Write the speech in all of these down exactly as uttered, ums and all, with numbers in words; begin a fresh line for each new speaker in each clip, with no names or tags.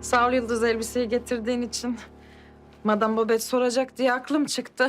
Sağ ol Yıldız, elbiseyi getirdiğin için. Madame Babet soracak diye aklım çıktı.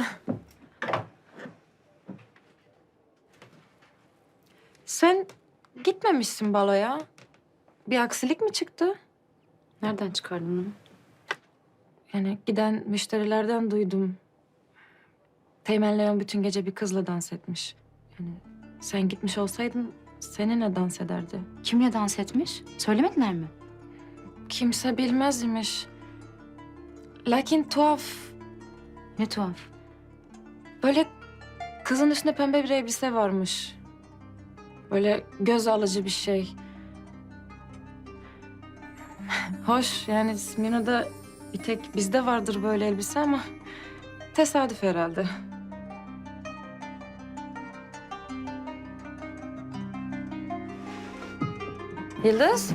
Sen gitmemişsin baloya. Bir aksilik mi çıktı?
Nereden çıkardın bunu?
Yani giden müşterilerden duydum. Teğmen Leon bütün gece bir kızla dans etmiş. Yani sen gitmiş olsaydın seninle dans ederdi.
Kimle dans etmiş? Söylemediler mi?
Kimse bilmez imiş. Lakin tuhaf.
Ne tuhaf.
Böyle kızın üstünde pembe bir elbise varmış. Böyle göz alıcı bir şey. Hoş, yani Smyrna'da bir tek bizde vardır böyle elbise ama tesadüf herhalde. Yıldız?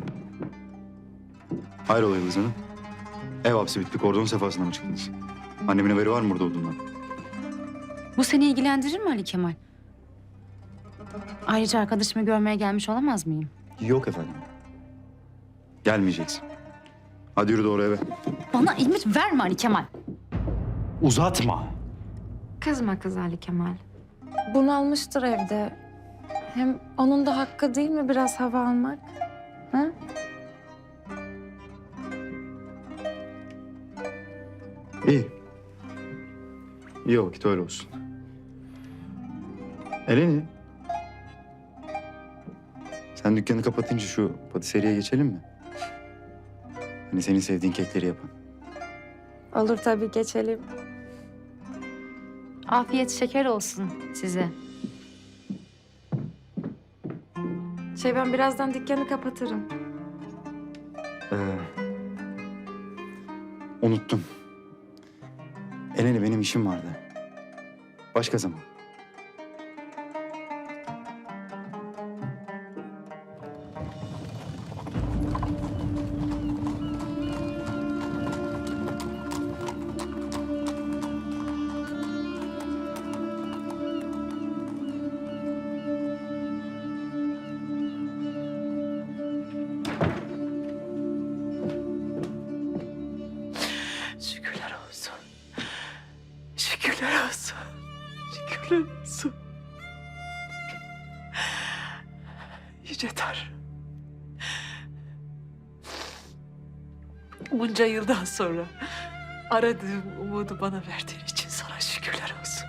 Hayrola Yıldız Hanım? Ev hapsi bitti, kordon sefasına mı çıktınız? Annemin haberi var mı burada olduğundan?
Bu seni ilgilendirir mi Ali Kemal? Ayrıca arkadaşımı görmeye gelmiş olamaz mıyım?
Yok efendim. Gelmeyeceksin. Hadi yürü doğru eve.
Bana emir verme Ali Kemal.
Uzatma.
Kızma kız Ali Kemal. Bunalmıştır evde. Hem onun da hakkı değil mi biraz hava almak? Ha?
İyi. İyi vakit öyle olsun. Eleni. Sen dükkanı kapatınca şu patiseriye geçelim mi? Hani senin sevdiğin kekleri yapan.
Olur tabii, geçelim.
Afiyet şeker olsun size.
Şey, ben birazdan dükkanı kapatırım.
Ee, unuttum. Eleni, benim işim vardı. Başka zaman.
Şükürler olsun. Şükürler olsun. Şükürler olsun. Yüce Tanrım. Bunca yıldan sonra aradığım umudu bana verdiğin için sana şükürler olsun.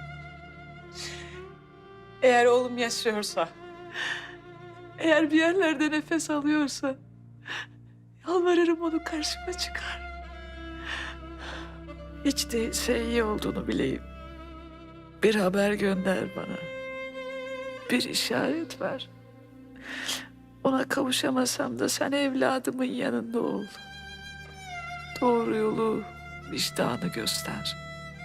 Eğer oğlum yaşıyorsa, eğer bir yerlerde nefes alıyorsa, yalvarırım onu karşıma çıkar. Hiç değilse iyi olduğunu bileyim. Bir haber gönder bana. Bir işaret ver. Ona kavuşamasam da sen evladımın yanında ol. Doğru yolu, vicdanı göster.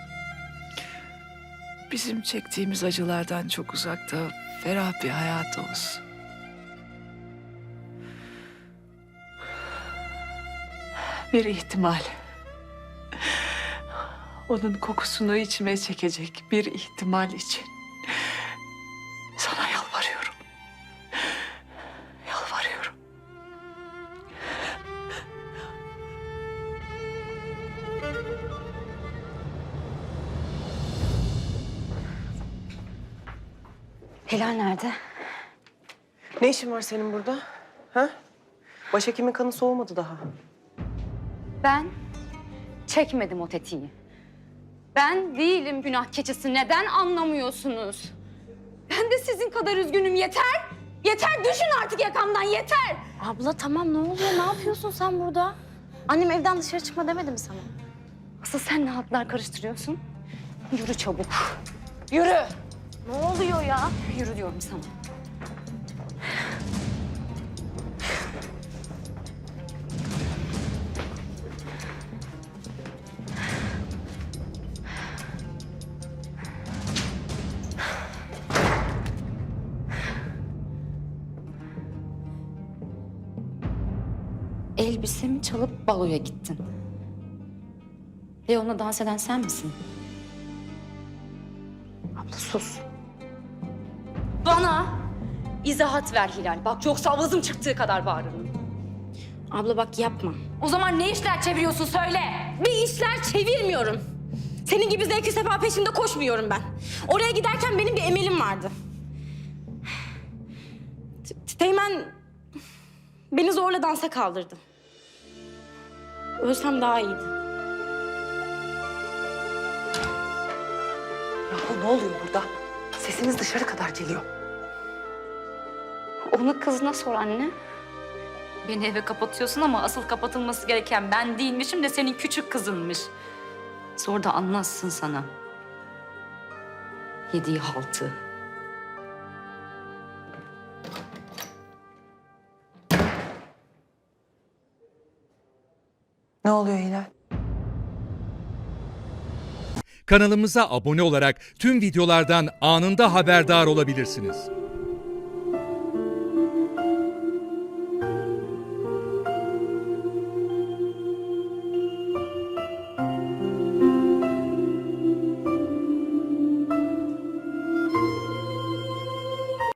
Bizim çektiğimiz acılardan çok uzakta, ferah bir hayat olsun. Bir ihtimal. Onun kokusunu içime çekecek bir ihtimal için sana yalvarıyorum. Yalvarıyorum.
Helal nerede?
Ne işin var senin burada? Ha? Başhekimin kanı soğumadı daha.
Ben çekmedim o tetiği. Ben değilim günah keçisi. Neden anlamıyorsunuz? Ben de sizin kadar üzgünüm. Yeter! Yeter! Düşün artık yakamdan, yeter!
Abla tamam, ne oluyor? Ne yapıyorsun sen burada? Annem evden dışarı çıkma demedi mi sana?
Asıl sen ne hatlar karıştırıyorsun? Yürü çabuk. Yürü!
Ne oluyor ya?
Yürü diyorum sana. Elbisemi çalıp baloya gittin. Leon'la dans eden sen misin?
Abla sus.
Bana izahat ver Hilal. Bak yoksa avazım çıktığı kadar bağırırım.
Abla bak yapma.
O zaman ne işler çeviriyorsun söyle.
Bir işler çevirmiyorum. Senin gibi zevki sefa peşinde koşmuyorum ben. Oraya giderken benim bir emelim vardı. T- Teğmen beni zorla dansa kaldırdı. Ölsem daha iyiydi.
Ya ne oluyor burada? Sesiniz dışarı kadar geliyor.
Onu kızına sor anne. Beni eve kapatıyorsun ama asıl kapatılması gereken ben değilmişim de senin küçük kızınmış. Sor da anlatsın sana. Yediği haltı.
Ne oluyor Hilal?
Kanalımıza abone olarak tüm videolardan anında haberdar olabilirsiniz.